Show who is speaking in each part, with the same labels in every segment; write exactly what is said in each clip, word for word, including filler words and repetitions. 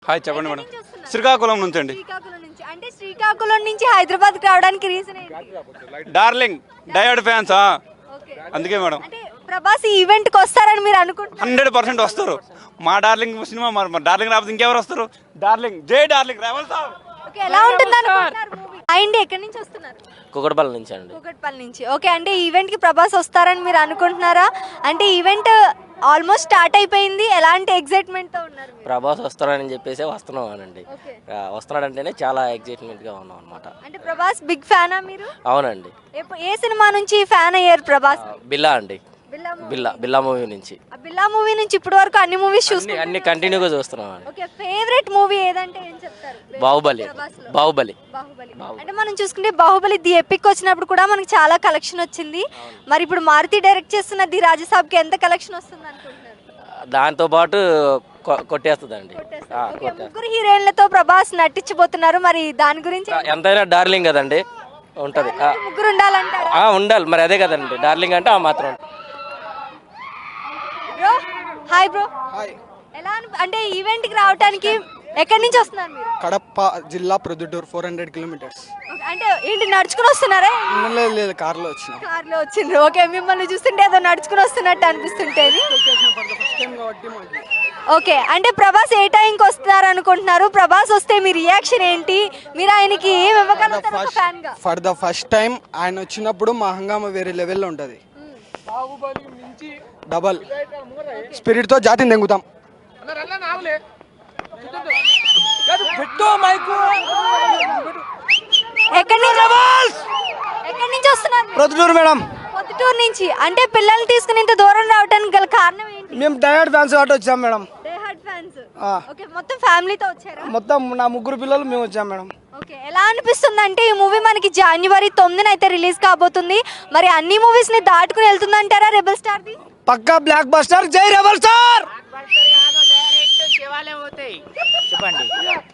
Speaker 1: Hi చెప్పండి madam. Srikakulam నుంచి అండి.
Speaker 2: శ్రీకాకుళం నుంచి అంటే శ్రీకాకుళం నుంచి హైదరాబాద్ రావడానికి రీజన్ ఏంటి?
Speaker 1: డార్లింగ్ డయర్డ్ ఫ్యాన్స్ అందుకే మేడం.
Speaker 2: అంటే ప్రభాస్ ఈ ఈవెంట్ కి వస్తారని మీరు అనుకుంటున్నారు?
Speaker 1: హండ్రెడ్ పర్సెంట్ వస్తారు. మా డార్లింగ్ సినిమా మరి డార్లింగ్ రాకపోతే ఇంకెవరు వస్తారు? డార్లింగ్ జై డార్లింగ్ రావాలి సార్.
Speaker 2: ఓకే, ఎలా ఉంటుంది అనుకుంటున్నారు మూవీ? అండి ఎక్కడి నుంచి వస్తున్నారు?
Speaker 3: కుకట్పల్లి నుంచి అండి.
Speaker 2: కూకట్పల్లి నుంచి. ఓకే, అంటే ఈవెంట్ కి ప్రభాస్ వస్తారని మీరు అనుకుంటున్నారా? అంటే ఈవెంట్ ఆల్మోస్ట్ స్టార్ట్ అయిపోయింది, ఎలాంటి ఎగ్జైట్మెంట్ తో ఉన్నారు?
Speaker 3: ప్రభాస్ వస్తాడని చెప్పేసి వస్తున్నాం అనండి.
Speaker 2: ఓకే,
Speaker 3: వస్తున్నాడంటేనే చాలా ఎగ్జైట్మెంట్ గా ఉన్నాం అనమాట.
Speaker 2: అంటే ప్రభాస్ బిగ్ ఫ్యానా మీరు?
Speaker 3: అవునండి.
Speaker 2: ఎప్పు- ఏ సినిమా నుంచి ఫ్యాన్ అయ్యారు ప్రభాస్?
Speaker 3: బిల్లా అండి.
Speaker 2: బిల్లా మూవీ.
Speaker 3: బిల్లా బిల్లా మూవీ నుంచి
Speaker 2: ఆ బిల్లా మూవీ నుంచి ఇప్పటి వరకు అన్ని మూవీస్
Speaker 3: అన్ని
Speaker 2: చూసుకుంటున్నారు?
Speaker 3: అన్ని కంటిన్యూగా చూస్తున్నాం అండి.
Speaker 2: ఓకే, ఫేవరెట్ మూవీ ఏదంటే ఏం చెప్తారు?
Speaker 3: బాహుబలి.
Speaker 2: ప్రభాస్లో.
Speaker 3: బాహుబలి.
Speaker 2: బాహుబలి. అంటే మనం చూసుకుంటే బాహుబలి ది ఎపిక్ వచ్చినప్పుడు కూడా మనకి చాలా కలెక్షన్ వచ్చింది. మరి ఇప్పుడు మారుతి డైరెక్ట్ చేస్తున్న ది రాజసాబ్ కి ఎంత కలెక్షన్ వస్తుంది అనుకుంటున్నారు?
Speaker 3: దాంతో పాటు కొ- కొట్టేస్తుందండి.
Speaker 2: కొట్టేస్తారు.
Speaker 3: ఆ,
Speaker 2: ఓకే,
Speaker 3: కొట్టేస్తుంది.
Speaker 2: ముగ్గురు హీరోయిన్లతో ప్రభాస్ నటించబోతున్నారు. మరి దాని గురించి
Speaker 3: ఎంతైనా డార్లింగ్ కదండి, ఉంటది. ఆ,
Speaker 2: ముగ్గురు ఉండాలంటారా?
Speaker 3: ఆ, ఉండాలి మరి, అదే కదండి డార్లింగ్ అంటే ఆ మాత్రం.
Speaker 2: Bro hi bro. ఎలా అనిపి- అంటే ఈవెంట్ కి రావడానికి ఎక్కడి నుంచి వస్తున్నారు మీరు?
Speaker 4: కడప జిల్లా Proddatur four hundred kilometres.
Speaker 2: Okay, అంటే ఏంటి నడుచుకుని వస్తున్నారా?
Speaker 4: లేదు లేదు కార్లో వచ్చిన.
Speaker 2: కార్ లో వచ్చిండ్రు. ఓకే, మిమ్మల్ని చూస్తుంటే ఏదో నడుచుకుని వస్తున్నట్టు అనిపిస్తుంటేది.
Speaker 4: ఫస్ట్ టైం కాబట్టి మాకు
Speaker 2: ఓకే, అంటే ప్రభాస్ ఏ టైంకి వస్తున్నారు అనుకుంటున్నారు? ప్రభాస్ వస్తే మీ రియాక్షన్ ఏంటి? మీరు ఆయనకి ఏం ఇవ్వగలుగుతారు ఒక ఫ్యాన్ గా?
Speaker 4: ఫర్ ద ఫస్ట్ టైం ఆయన వచ్చినప్పుడు మా హంగామా వేరే లెవెల్లో ఉంటుంది. డబల్ స్పిరిట్ తో జాతిని దెంగుతాం.
Speaker 2: ఎక్కడి నుంచి ఎక్కడి నుంచి వస్తున్నారు?
Speaker 4: ప్రొద్దుటూరు మేడం.
Speaker 2: పొద్దుటూరు నుంచి. అంటే పిల్లల్ని తీసుకుని ఇంత దూరం రావడానికి గల కారణం ఏంటి?
Speaker 4: మేము డయర్డ్ ఫ్యాన్స్ కాబట్టి వచ్చాం మేడం.
Speaker 2: Diehard fans.
Speaker 4: ఆ.
Speaker 2: ఓకే, మొత్తం ఫ్యామిలీతో వచ్చారా?
Speaker 4: మొత్తం నా ముగ్గురు పిల్లలు మేము వచ్చాం మేడం.
Speaker 2: ఓకే, ఎలా అనిపిస్తుంది అంటే ఈ మూవీ మనకి జనవరి తొమ్మిదిన అయితే రిలీజ్ కాబోతుంది. మరి అన్ని మూవీస్ ని దాటుకుని వెళ్తుంది అంటారా రెబల్ స్టార్ ది?
Speaker 4: పక్కా బ్లాక్ బస్టర్. జై రెబల్ స్టార్.
Speaker 5: చెప్పండి.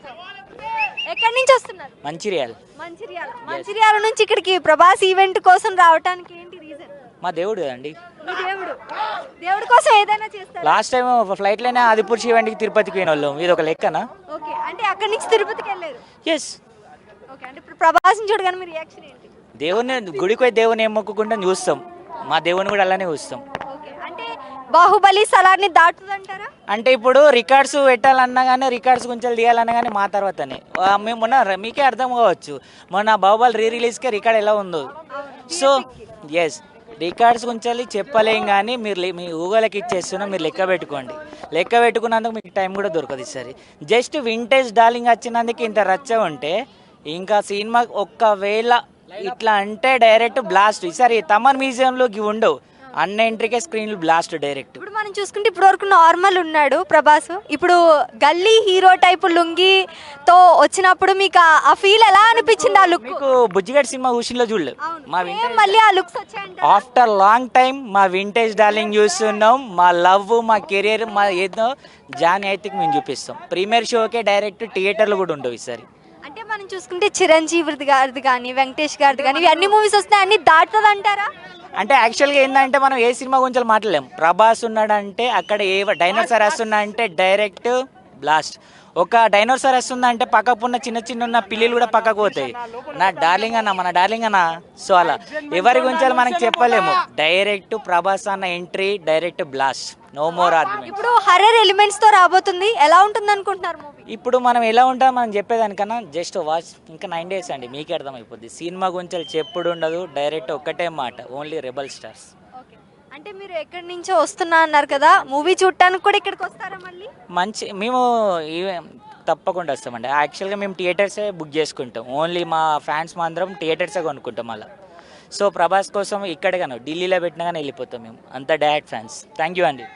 Speaker 2: ఎక్కడి నుంచి వస్తున్నారు?
Speaker 5: మంచిర్యాల.
Speaker 2: మంచిర్యాల. మంచిర్యాల నుంచి ఇక్కడికి ప్రభాస్ ఈవెంట్ కోసం రావడానికి ఏంటి రీజన్?
Speaker 5: మా దేవుడు అండి.
Speaker 2: మీ దేవుడు. దేవుడి కోసం ఏదైనా చేస్తారా?
Speaker 5: లాస్ట్ టైం ఫ్లైట్లోనే ఆదిపూర్ ఈవెంట్కి తిరుపతికి పోయిన వాళ్ళం. ఇది ఒక లెక్కనా?
Speaker 2: ఓకే, అంటే అక్కడి నుంచి తిరుపతికి వెళ్ళారు.
Speaker 5: ఎస్.
Speaker 2: ఓకే, అంటే ఇప్పుడు ప్రభాస్ని చూడగానే మీ రియాక్షన్ ఏంటి?
Speaker 5: దేవుని గుడికి పోయి దేవుని ఏం మొక్కుకుంటాం చూస్తాం. మా దేవుని కూడా అలానే చూస్తాం.
Speaker 2: ఓకే, అంటే బాహుబలి సలార్ని దాటుతుందంటారా?
Speaker 5: అంటే ఇప్పుడు రికార్డ్స్ పెట్టాలన్నా కానీ రికార్డ్స్ కొంచెం తీయాలన్నా కానీ మా తర్వాతనే ఆ, మేము మొన్న ర- మీకే అర్థం కావచ్చు, మొన్న బాహుబలి రీ రిలీజ్కే రికార్డ్ ఎలా ఉందో. సో ఎస్, రికార్డ్స్ కొంచెం చెప్పలేం కానీ మీరు లే- మీ ఊగలకి ఇచ్చేస్తున్నా, మీరు లెక్క పెట్టుకోండి. లెక్క పెట్టుకున్నందుకు మీకు టైం కూడా దొరకదు ఈసారి. జస్ట్ వింటేజ్ డార్లింగ్ వచ్చినందుకు ఇంత రచ్చ ఉంటే ఇంకా సినిమా ఒక్కవేళ ఇట్లా అంటే డైరెక్ట్ బ్లాస్ట్. ఈసారి తమన్ మ్యూజియంలోకి ఉండవు, అన్న ఎంట్రీకే స్క్రీన్లు బ్లాస్ట్ డైరెక్ట్.
Speaker 2: ఇప్పుడు మనం చూసుకుంటే ఇప్పటి వరకు నార్మల్ ఉన్నాడు ప్రభాస్. ఇప్పుడు గల్లీ హీరో టైప్ లుంగితో వచ్చినప్పుడు మీకు ఆ- ఆ ఫీల్ ఎలా అనిపించింది? ఆ లుక్
Speaker 5: మీకు బుజ్జిగడ్ సినిమా హుషిన్లో చూడలేదు మా వింటేజ్.
Speaker 2: మళ్ళీ ఆ లుక్స్ వచ్చాయంట.
Speaker 5: ఆఫ్టర్ లాంగ్ టైం మా వింటేజ్ డార్లింగ్ చూస్తున్నాం. మా లవ్, మా కెరీర్, మా ఏదో జాన్ అయితే మేము చూపిస్తాం. ప్రీమియర్ షోకే డైరెక్ట్ థియేటర్లు కూడా ఉండవు ఈసారి.
Speaker 2: అంటే మనం చూసుకుంటే చిరంజీవి గారిది కానీ వెంకటేష్ గారిది కానీ ఇవి అన్ని మూవీస్ వస్తాయి, అన్ని దాటుతుంది అంటారా?
Speaker 5: అంటే యాక్చువల్గా ఏంటంటే మనం ఏ సినిమా గురించి మాట్లాడలేం. ప్రభాస్ ఉన్నాడంటే అక్కడ ఏ డైనోసార్ వస్తున్నా అంటే డైరెక్ట్ బ్లాస్ట్. ఒక డైనోసార్ వస్తుందా అంటే పక్కకు ఉన్న చిన్న చిన్న ఉన్న పిల్లలు కూడా పక్కకు పోతాయి. నా డార్లింగ్ అన్న, మన డార్లింగ్ అన్న. సో అలా ఎవరి గురించి మనకి చెప్పలేము. డైరెక్ట్ ప్రభాస్ అన్న entry, direct blast, no more argument.
Speaker 2: ఇప్పుడు హర్రర్ ఎలిమెంట్స్ తో రాబోతుంది, ఎలా ఉంటుంది అనుకుంటున్నారు మూవీ?
Speaker 5: ఇప్పుడు మనం ఎలా ఉంటాం మనం చెప్పేదానికన్నా జస్ట్ వాచ్. ఇంకా నైన్ డేస్ అండి, మీకే అర్థమైపోద్ది. సినిమా గురించి చెప్పుడు ఉండదు, డైరెక్ట్ ఒక్కటే మాట, ఓన్లీ రెబల్ స్టార్స్.
Speaker 2: ఓకే, అంటే మీరు ఎక్కడి నుంచో వస్తున్నా అన్నారు కదా, మూవీ చూడటానికి కూడా ఇక్కడికి వస్తారా మళ్ళీ?
Speaker 5: మంచి మేము ఈ- తప్పకుండా వస్తామండి. యాక్చువల్గా మేము థియేటర్సే బుక్ చేసుకుంటాం. ఓన్లీ మా ఫ్యాన్స్ మా అందరం థియేటర్సే కొనుక్కుంటాం అలా. సో ప్రభాస్ కోసం ఇక్కడే కానీ ఢిల్లీలో పెట్టినా కానీ వెళ్ళిపోతాం మేము. అంత డైరెక్ట్ ఫ్యాన్స్. థ్యాంక్ యూ అండి.